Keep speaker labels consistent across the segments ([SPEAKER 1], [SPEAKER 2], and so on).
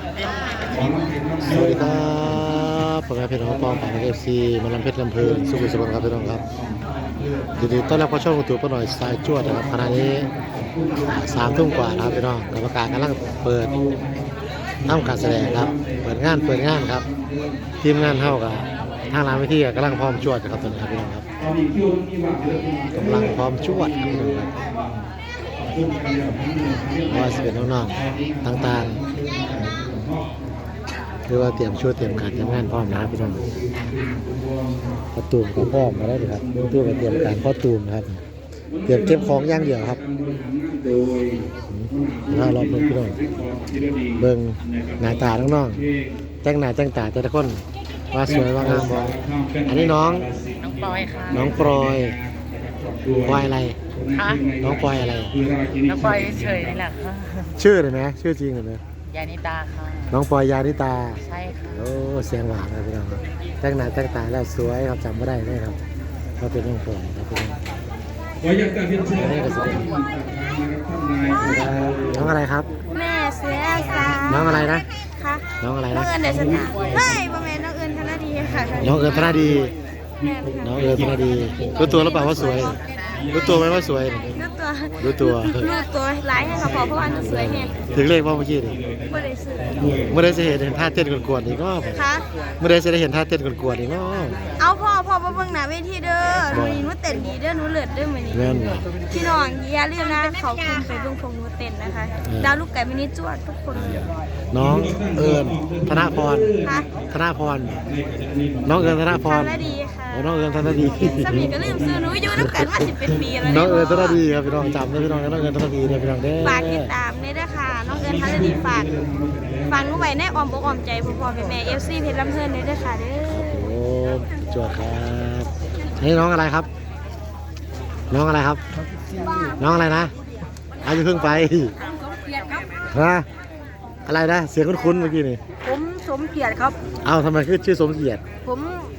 [SPEAKER 1] สวัสดีครับผมเป็นน้องปองของเอฟซีมาลำเพชรลำเพลินสุขุมสุขครับพี่น้องครับยินดีต้อนรับเข้าช่องยูทูบป้าหน่อยสายจวดนะครับขณะนี้3 ทุ่มกว่านะครับพี่น้องกรรมการกำลังเปิดทำการแสดงครับเปิดงานครับทีมงานเท่ากับทางร้านวิธีกำลังพร้อมจวดครับตอนนี้ครับพี่น้องครับกำลังพร้อมจวดครับพี่น้องครับว่าจะเป็นน้องๆต่างๆหรือว่าเตรียมชุดเตรียมการทำงานพร้อมนะครับพี่น้องพอตูมก็พร้อมมาแล้วครับตู้มาเตรียมการพอตูมครับเตรียมเก็บของอย่างเดียวครับถ้ารอบพี่น้องเบิ่งหน้าตาน้องๆแต่งหน้าแต่งตาแต่ละคนว่าสวยว่างามบ่อันนี้น้อง
[SPEAKER 2] ปอยค่ะ
[SPEAKER 1] น้องปอยปอยอะไร
[SPEAKER 2] คะ
[SPEAKER 1] น้องปอยอะไร
[SPEAKER 2] น้องปอยเฉยนี่แหละค่ะ
[SPEAKER 1] ชื่อเลยไหมชื่อจริงเลยไหม
[SPEAKER 2] ยานิตาค่ะ
[SPEAKER 1] น้องปอยยานิตา
[SPEAKER 2] ใช่ค่ะ
[SPEAKER 1] โอ้เสียงหวานเลยพี่น้องครับแต่งหน้าแต่งตาแล้วสวยครับจำไม่ได้เลยครับเขาเป็นน้องปอยครับพี่น้องนี่ก็สวยน้องอะไรครับ
[SPEAKER 3] แม่เสือสา
[SPEAKER 1] น้องอะไรนะ
[SPEAKER 3] ค่ะ
[SPEAKER 1] น้องอะไร
[SPEAKER 3] น้อ
[SPEAKER 1] นะ
[SPEAKER 3] งเอิญเดชนาไม่ประมาณน้องเอิญธนดีค่ะ
[SPEAKER 1] น้องเอิญธนาดี
[SPEAKER 3] แม่ค่ะ
[SPEAKER 1] น้องเอิญธนาดีรู้ตัวหรือเปล่าว่าสวยรู้ตัวไหมว่าสวย
[SPEAKER 3] รู้ตัว
[SPEAKER 1] รู้ตัว
[SPEAKER 3] รู้ตัวร้ายให้เขาบอกเพราะว่าหนูสวยไง
[SPEAKER 1] ถึงเลขว่าเมื่อกี้นี่
[SPEAKER 3] ไม่ได้ซื้อ
[SPEAKER 1] เมื่อได้จะเห็นท่าเต้นกวนๆอีกก็
[SPEAKER 3] ค่ะ
[SPEAKER 1] เมื่อได้จะได้เห็นท่าเต้นกวนๆอีกก็
[SPEAKER 3] เอาพ่อมาเบิ่งหน้าเวทีเด้อหนูนี่หนูเต้นดีเด้อหนูเลิศเด้อมื้อนี้
[SPEAKER 1] แม่นบ่
[SPEAKER 3] พี่น้องอย่าลืมนะเขาคุณไปเบิ่งของหนูเต้นนะคะดาวลูกไก่มินิจวดทุกคน
[SPEAKER 1] น้องเอิญธนพร
[SPEAKER 3] ค่ะ
[SPEAKER 1] ธนพรน้องเอิญธนพร
[SPEAKER 3] ธนดีค่ะ
[SPEAKER 1] โอ้น้องเอิญธนดี
[SPEAKER 3] สามีก็ลืมซื้อหนูอยู่น้ำกันมา10 เป็นปีแล้ว
[SPEAKER 1] น้องเอิญธนดีครับพี่น้องจำได้พี่น้องน้องเอิญธนดีเนี่ยพี่น้องเด้อ
[SPEAKER 3] ฝากติดตามด้วยนะคะน้องเอิญธนดีฝากหนูไว้ในอ้อมอกอ้อมใจพ่อๆแม่ๆ FC เพชรลำเพลินด้วยนะคะเด้อ
[SPEAKER 1] โอ้จวดครับนี่น้องอะไรครับ น้องอะไรครับ น้องอะไรนะอายุเพิ่งไปฮะอะไรนะเสียงคุ้นๆเมื่อกี้นี่
[SPEAKER 3] ผมสมเกียรติครับ
[SPEAKER 1] เอ้าทำไมคือชื่อสมเกียรติ
[SPEAKER 3] ผม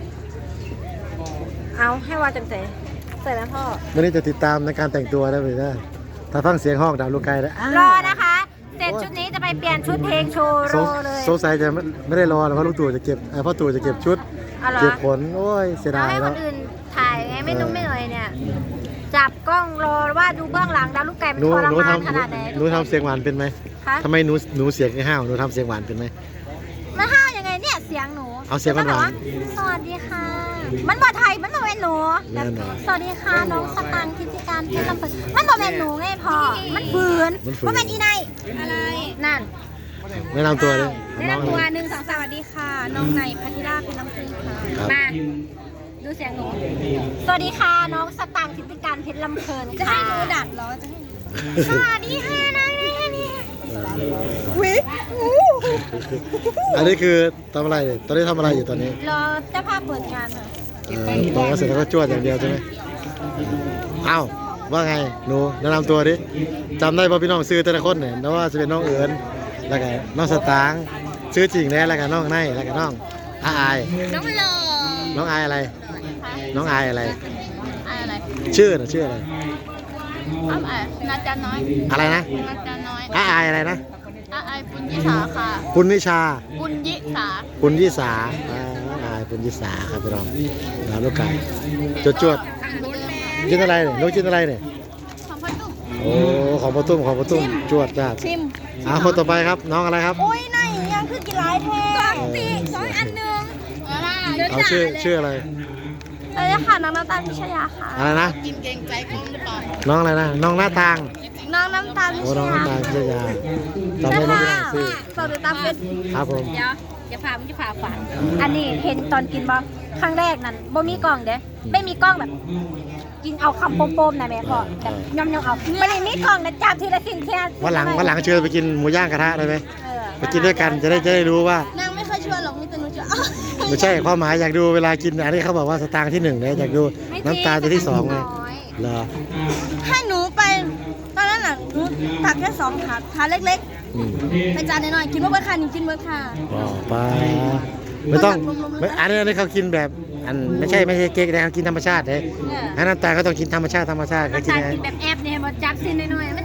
[SPEAKER 3] เอาให้ว่าจังใจใส่แล้วพ่อ
[SPEAKER 1] วันนี้จะติดตามในการแต่งตัวได้ไหมนะถ้าฟังเสียงห้องดาวลูกไก่ได้
[SPEAKER 3] รอนะคะเสร็จชุดนี้จะไปเปลี่ยนชุดเพลงโชว์รอเลย
[SPEAKER 1] สงสัยจะไม่ได้รอเพราะลูกตู่จะเก็บพ่อตู่จะเก็บชุด
[SPEAKER 3] อะไร
[SPEAKER 1] เก็บผลโอ้ยเสีย
[SPEAKER 3] เรา
[SPEAKER 1] ดาย
[SPEAKER 3] ให้ค
[SPEAKER 1] แล้ว
[SPEAKER 3] นอื่นถ่ายไงไม่นุ่มไม่หน่อยเนี่ยจับกล้องรอว่าดูเบื้องหลังดาวลูกไก่มัน
[SPEAKER 1] หนู
[SPEAKER 3] ทร
[SPEAKER 1] หนู
[SPEAKER 3] มาน
[SPEAKER 1] ทำ
[SPEAKER 3] ขนาดไหน
[SPEAKER 1] หนูทำเสียงหวานเป็นไหม
[SPEAKER 3] คะ
[SPEAKER 1] ทำไมหนูเสียงห้าวหนูทำเสียงหวานเป็นไหม
[SPEAKER 3] มันห้าวยังไงเนี่ยเสียงหนู
[SPEAKER 1] เอาเสียงหวาน
[SPEAKER 3] จะบอกสวัสดีค่ะ มันบ่ไทยมันบ่เป็นหนู
[SPEAKER 1] แน่นอน
[SPEAKER 3] สวัสดีค่ะน้องสตังค์กิจการเพชรลำเพลินมันบ่เป็นหนูไงพ่อมันฝืนว่าเป็นอีไนอะไรนั่น
[SPEAKER 1] แนะนำตัวเลย
[SPEAKER 3] แนะ
[SPEAKER 1] น้อง
[SPEAKER 3] นำ
[SPEAKER 1] อะ
[SPEAKER 3] ตัว
[SPEAKER 1] ไร
[SPEAKER 3] 1 2 3สวัสดีค่ะ น้องในพัทธิราชเป็นน้ำพึ่งค่ะ
[SPEAKER 1] ครับ
[SPEAKER 3] มาดูเสียงหนู สวัสดีค่ะน้องสตางค์ทิติการเพชรลำเพลินจะให้หนูดัดเหรอจะให้สวัสดีค่ะน้องนี่วิ
[SPEAKER 1] อันนี้คือทำอะไรเนี่ยตอนนี้ทำอะไรอยู่ตอนนี้
[SPEAKER 3] รอเจ้าภาพเปิดงานค่ะ
[SPEAKER 1] ตอนนี้เสร็จแล้วก็จวดอย่างเดียวใช่ไหมเอ้าว่าไงหนูแนะนำตัวดิจำได้ป่ะพี่น้องซื้อแต่ละคนเนี่ยแล้วว่าจะเป็นน้องเอิญแล้วก็น้องสตางค์ซื้อจริงแล้วแล้วก็น้องไนแล้วก็น้องอาย
[SPEAKER 3] น้องหล่อ
[SPEAKER 1] น้องอายอะไร น้องอายอะไร
[SPEAKER 3] อะไร
[SPEAKER 1] ชื่อน่ะชื่ออะไร
[SPEAKER 3] อ้าวนาจาน้อย
[SPEAKER 1] อะไรนะ
[SPEAKER 3] นาจาน้อย
[SPEAKER 1] อายอะไรนะ
[SPEAKER 3] อายปุญยิสาค่ะ
[SPEAKER 1] ปุณนิชา
[SPEAKER 3] ปุญยิสา
[SPEAKER 1] ปุณยิสาอายปุณยิสาครับพี่น้องน้ำลูกไก่จวดกินอะไรเนี่ยลูกกินอะไรเนี่ย
[SPEAKER 3] ของพ่อตุ้ม
[SPEAKER 1] โอ้ของประตุ้มจวดจ้า
[SPEAKER 3] ชิม
[SPEAKER 1] คนต่อไปครับน้องอะไรครับ
[SPEAKER 3] โอ้ยไหนยังคือกี่หลายแท้กล่องตี2 อันหนึ่ง
[SPEAKER 1] เอาชื่ออะไร
[SPEAKER 3] เลยค่ะน้องน้ำตาลพิชยาค่ะ
[SPEAKER 1] อะไรนะ
[SPEAKER 2] กินเกรงใจกล้องหรือเปล่า
[SPEAKER 1] น้องอะไรนะน้องหน้าต่าง
[SPEAKER 3] น้องน้ำตาลพิ
[SPEAKER 1] โอ้
[SPEAKER 3] ช
[SPEAKER 1] น้องห
[SPEAKER 3] ยา
[SPEAKER 1] น้าต่างพิชยาจำได้ไหมพี่น้องชื่อ
[SPEAKER 3] ฝากติดตามเฟซ
[SPEAKER 1] ครับผม
[SPEAKER 3] เดี๋ยวอย่าพามึงจะพาฝันอันนี้เห็นตอนกินบ่ครั้งแรกนั้นบ่มีกล้องเด้ไม่มีกล้องแบบ กินเอาคำโปมๆนะแม่พ่อแบบย่อมๆเอาไม่ได้มีกล้องนะจับทีละสิ่งแค่
[SPEAKER 1] วันหลังเชิญไปกินหมูย่างกระทะได้ไหม
[SPEAKER 3] เออ
[SPEAKER 1] ไปกินด้วยกันจะได้รู้ว่า
[SPEAKER 3] นางไม่เคยชวนหรอกมีแต่หนูจะ
[SPEAKER 1] ไม่ใช่ความหมายอยากดูเวลากินอันนี้เขาบอกว่าสตางค์ที่1เนี่ยอยากดูน้ำตาลจะที่2ไงเหรอ
[SPEAKER 3] ให้หนูไปตอนนั้นน่ะหนูตักแค่2 ถาดเล็ก
[SPEAKER 1] อืม
[SPEAKER 3] ๆไปจานน้อยๆกินเมื่อค่ะนี่กินเมื่อค่ะ
[SPEAKER 1] ไปไม่ต้องไม่อันนี้เขากินแบบอันไม่ใช่เก๊กนะเขากินธรรมชาติเลยอันน้ำตาลก็ต้องกินธรรมชาติเขากิน
[SPEAKER 3] น้ำตาล
[SPEAKER 1] ไง
[SPEAKER 3] กินแบบแอบเนี่ยมาจักซินน้อยๆมันแอบ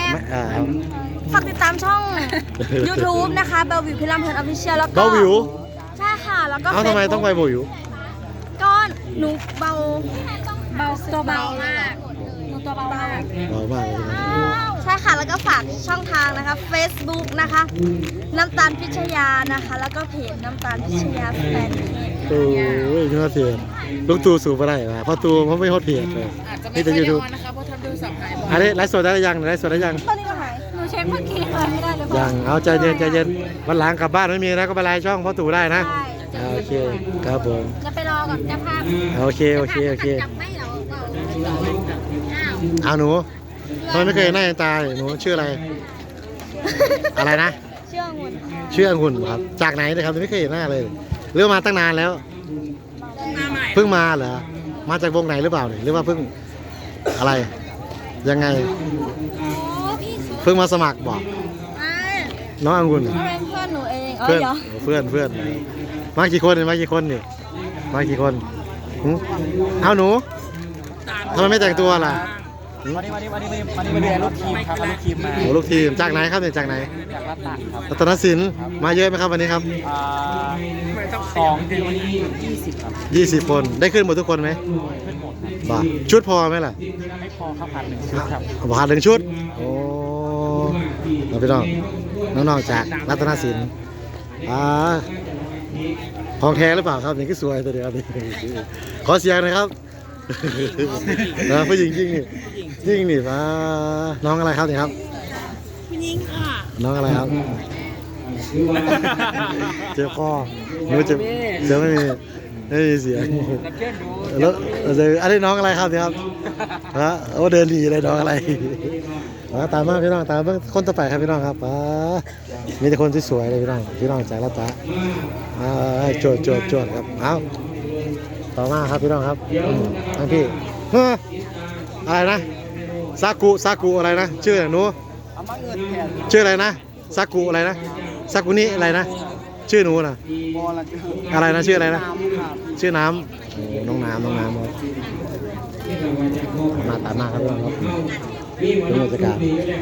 [SPEAKER 3] ฝากติดตามช่อง YouTube นะคะเบลวิวพิรำเพลินออฟฟิเชียลแล้วก็
[SPEAKER 1] เบาวิว
[SPEAKER 3] ใช่ค่ะแล้วก็
[SPEAKER 1] เอ้าทำไมต้องไปเบาวิว
[SPEAKER 3] ก็หนูเบาตัวเบามากหนูตัวเบามาก
[SPEAKER 1] เบามากเลยนะ
[SPEAKER 3] ใช่ค่ะแล้วก็ฝากช่องทางนะคะ Facebook นะคะน้ำตาลพิชยานะคะ แล้วก็เพจน้ำตาลพิชยาแฟนเพจ
[SPEAKER 1] โอ้ยยอดเสียลูกตูสูบอะไรมาเพราะตูมันไม่ฮอตเพจเลย
[SPEAKER 2] อาจจะไม่
[SPEAKER 1] นี่
[SPEAKER 2] ค่
[SPEAKER 1] แต่
[SPEAKER 2] อย
[SPEAKER 1] ยู
[SPEAKER 2] ได้
[SPEAKER 1] ทู
[SPEAKER 2] อบ อนนะคะเพราะทำโทรศัพท์หายบ่อย
[SPEAKER 1] อันนี้ไลฟ์สดได้หรือยังไลฟ์สดได้ยัง
[SPEAKER 3] ตอนนี้ก็หายหนูเช็คเมื่อกี้เลยไม่ได้เลย
[SPEAKER 1] ยังเอาใจเย็นใจเย็นวันหลังกลับบ้านไม่มีนะก็ไปไลน์ช่องพ่อตู่ได้นะ
[SPEAKER 3] ใช่
[SPEAKER 1] โอเคครับผม
[SPEAKER 3] จะไปรอก่อนจะพา
[SPEAKER 1] โอเคโอเคโอเค
[SPEAKER 3] จับไม่เหรออ้าว
[SPEAKER 1] เอาหนูทำไมไม่เคยเห็นหน้าเห็นตาเลยหนูชื่ออะไร อะไรนะ
[SPEAKER 3] เชื่อหุ่น
[SPEAKER 1] ชื่อองุ่นครับจากไหนนะครับไม่เคยเห็นหน้าเลยหรือว่ามาตั้งนานแล้ว เพิ่งมาเหรอมาจากวงไหนหรือเปล่าเนี่ยหรือว่าเพิ่งอะไรยังไง
[SPEAKER 3] โอ้พี่สุด
[SPEAKER 1] เพิ่งมาสมัครบอก
[SPEAKER 3] ไอ้
[SPEAKER 1] น้ององุ่น
[SPEAKER 3] เขาเป็นเพื่อนหนูเอง
[SPEAKER 1] เพื่อน
[SPEAKER 3] เดี๋ยว
[SPEAKER 1] เพื่อนเพื่อนมากี่คนเนี่ยมากี่คนนี่มากี่คนหึเอาหนูทำไมไม่แต่งตัวล่ะหึ
[SPEAKER 4] วันนี้มาดูลูกทีมครับเอาลูกทีมมา
[SPEAKER 1] โอ้ลูกทีมจากไหนครับเนี่ยจากไหน
[SPEAKER 4] จากรัตตะครับ
[SPEAKER 1] รัตนสินมาเยอะไหมครับวันนี้ครับ
[SPEAKER 4] 2 ถึงวันนี้20 ครับ
[SPEAKER 1] 20 คนได้ขึ้นหมดทุกคนไหม
[SPEAKER 4] ขึ้นหมดครับ
[SPEAKER 1] บ่าชุดพอไหมล่ะ
[SPEAKER 4] ไม่พอข้าวผัด1 ชุดครับ
[SPEAKER 1] ผ่านหนึ่งชุดโอ้เราพี่น้องน้องๆจากรัตนสินของแท้หรือเปล่าครับนี่ก็สวยตัวเดียวนี่ขอเสียงหน่อยครับผู้หญิงจริงนี่จริงนี่มาน้องอะไรครับนี่ครับ
[SPEAKER 2] ผู้หญิงค่ะ
[SPEAKER 1] น้องอะไรครับ เจ็บคอหนูเจ็บเสียงไม่มีเสียงแล้วอันนี้น้องอะไรครับเนี่ยครับฮะโอ้เดินดีเลยน้องอะไรตามมาพี่น้องตามคนต่อไปครับพี่น้องครับมีแต่คนที่สวยเลยพี่น้องจากละตาโจดครับเอาต่อมาครับพี่น้องครับทั้งพี่อะไรนะซากุอะไรนะชื่อหนู
[SPEAKER 4] เอามาเงินแทน
[SPEAKER 1] ชื่ออะไรนะซากุอะไรนะซากุนี่อะไรนะชื่อหนูนะ
[SPEAKER 4] บอลละ
[SPEAKER 1] อะไรนะชื่ออะไรนะ
[SPEAKER 4] ครับ
[SPEAKER 1] ชื่อน้ำโอ้น้องน้ำครับมาตามมาครับพี่น้องครับดูบรรยากาศ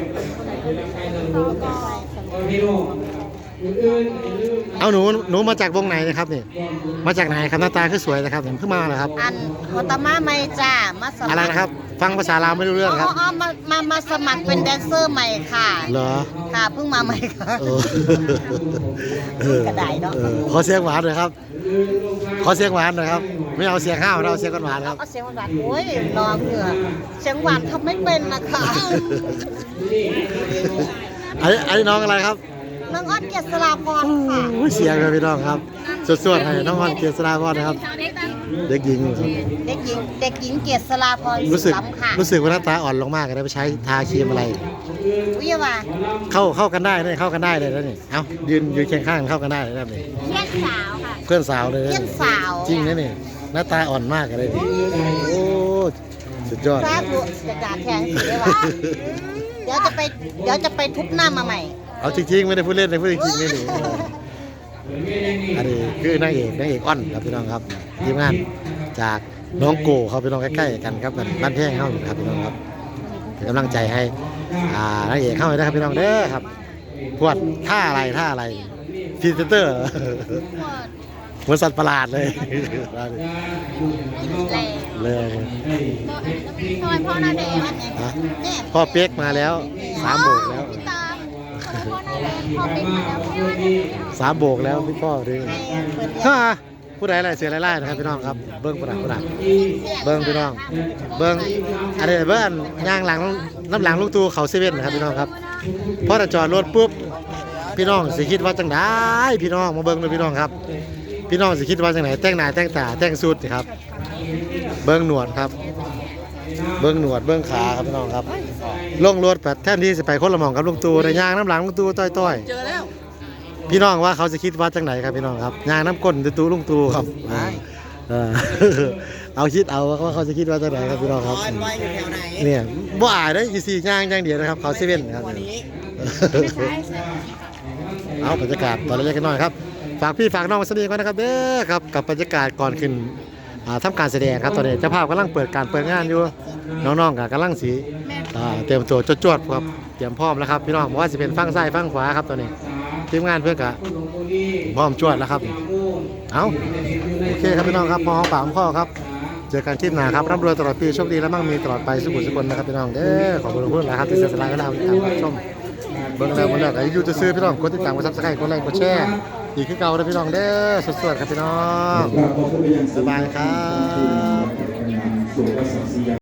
[SPEAKER 1] เอาหนูมาจากวงไหนนะครับนี่มาจากไหนครับหน้าตาคือสวยนะครับเพิ่งมาเหรอครับ
[SPEAKER 2] อันโฮตามาไม่จ้ามาสมัคร
[SPEAKER 1] อะไรนะครับ ฟังภาษาลาวไม่รู้เรื่องครับ
[SPEAKER 2] มาสมัครเป็นแดนเซอร์ใหม่ค่ะ
[SPEAKER 1] เหรอ
[SPEAKER 2] ค่ะเพิ่งมาใหม่ค่ะ กระดาษเนาะ
[SPEAKER 1] ขอเสียงหวานหน่อยครับขอเสียงหวานหน่อยครับไม่เอาเสียงข้าวเราเอาเสียงหวานครับ
[SPEAKER 2] เอาเสียงหวานโอ้ยรอเหงื่อเสียงหวานทำไม่เป็นนะคะ
[SPEAKER 1] อันนี้น้องอะไรครับ
[SPEAKER 2] น้องอ้อนเกียรติสลาพรค่ะ
[SPEAKER 1] โอ้ยเสียงครับพี่น้องครับสวดๆให้น้องวันเกียรติสราพรนะครับ เด็กหญิงครับ
[SPEAKER 2] เด็กหญิงเกียรติสลาพร
[SPEAKER 1] รู้สึก
[SPEAKER 2] ล้ำค่ะ
[SPEAKER 1] รู้สึกว่าหน้าตาอ่อนลงมากเลยนะไปใช้ทาครีมอะไร
[SPEAKER 2] วิว่า
[SPEAKER 1] เข้ากันได้เลยเข้ากันได้เลยนะนี่เอ้ายืนเคียงข้างเข้ากันได้เลยนะนี่
[SPEAKER 3] เพื่อนสาวค่ะ
[SPEAKER 1] เพื่อนสาวเลยนะ
[SPEAKER 2] เยี่ยนสาว
[SPEAKER 1] จริงนะนี่หน้าตาอ่อนมากเลยนี่โอ้สุดยอด
[SPEAKER 2] ทราบดูจะด่าแทนสิได้ว่าเดี๋ยวจะไปทุบหน้ามาใหม่
[SPEAKER 1] เอาจริงๆไม่ได้พูดเล่นเลยพูดจริงๆนี่นี่อันนี้คือนางเอกอ้อนครับพี่น้องครับทีมงานจากน้องโกเขาพี่น้องใกล้ๆกันครับบ้านแพงเข้าครับพี่น้องครับเป็นกำลังใจให้นางเอกเข้าไปนะครับพี่น้องเด้อครับพวดท่าอะไรพรีเซนเตอร์เหมือนสัตว์ประหลาดเลย
[SPEAKER 3] แรง
[SPEAKER 1] เลย
[SPEAKER 3] ทำไมพ่อหน้าแดง
[SPEAKER 1] ฮะพ่อเป๊กมาแล้ว3 โบกแล้ว
[SPEAKER 3] พี่ตามพ่อหน้าแดงพ่อเป็นมาแล้วพ่อหน้าแดง
[SPEAKER 1] 3 โบกแล้วพี่พ่อดิผู้ใดอะไรเสียไล่ๆนะครับพี่น้องครับเบิ้งประดับเบิ้งพี่น้องเบิ้งอะไรเบิ้งย่างหลังน้ำหลังลูกตูเขาเซเว่นนะครับพี่น้องครับพอจะจอดรถปุ๊บพี่น้องสิคิดว่าจังไดพี่น้องมาเบิ้งเลยพี่น้องครับพี่น้องสิคิดว่าจังไหนแต่งหน้าแต่งตาแต่งสูทสิครับเบิ้งหนวดครับเบิ้งหนวดเบิ้งขาครับพี่น้องครับลงรถแบบแทนที่จะไปคนละหม่องกับลุงตูในย่างน้ำหลังลุงตูต้อยๆ
[SPEAKER 2] เจอแล้ว
[SPEAKER 1] พี่น้องว่าเขาจะคิดว่าจังไหนครับพี่น้องครับยางน้ำก้นตูลุงตูครับเอาคิดเอาว่าเขาจะคิดว่าจังไหนครับพี่น้องครับ
[SPEAKER 2] อยู่แถวไหน
[SPEAKER 1] เนี่ยบ่อายได้อีซีย่างอย่างเดียวนะครับเขาเซเว่นครับเอาบรรยากาศตอนเล็กๆน้อยครับฝากพี่ฝากน้องมาสนิทกันนะครับเด้อครับกับบรรยากาศก่อนขึ้นทำการแสดงครับตอนนี้เจ้าภาพกำลังเปิดงานอยู่น้องๆก็กำลังสีเตรียมตัวจวดๆครับเตรียมพร้อมแล้วครับพี่น้องบอกว่าจะเป็นฝั่งซ้ายฝั่งขวาครับตอนนี้ทีมงานเพื่อนกะพร้อมจวดแล้วครับเอาโอเคครับพี่น้องครับพอหอมปากหอมคอครับเจอกันคลิปหน้าครับร่ำรวยตลอดปีโชคดีและมั่งมีตลอดไปสุขุมสุขนะครับพี่น้องเด้อขอบคุณทุกคนนะครับที่เสียสละเวลาติดตามรับชมเบิ่งแล้ววันแรกอายุจะซื้อพี่น้องกดติดตามกดซับสไครต์กดไลค์กดแชร์อีกคือเก่าเลยพี่น้องเด้อสวัสดีครับพี่น้องสบายครับ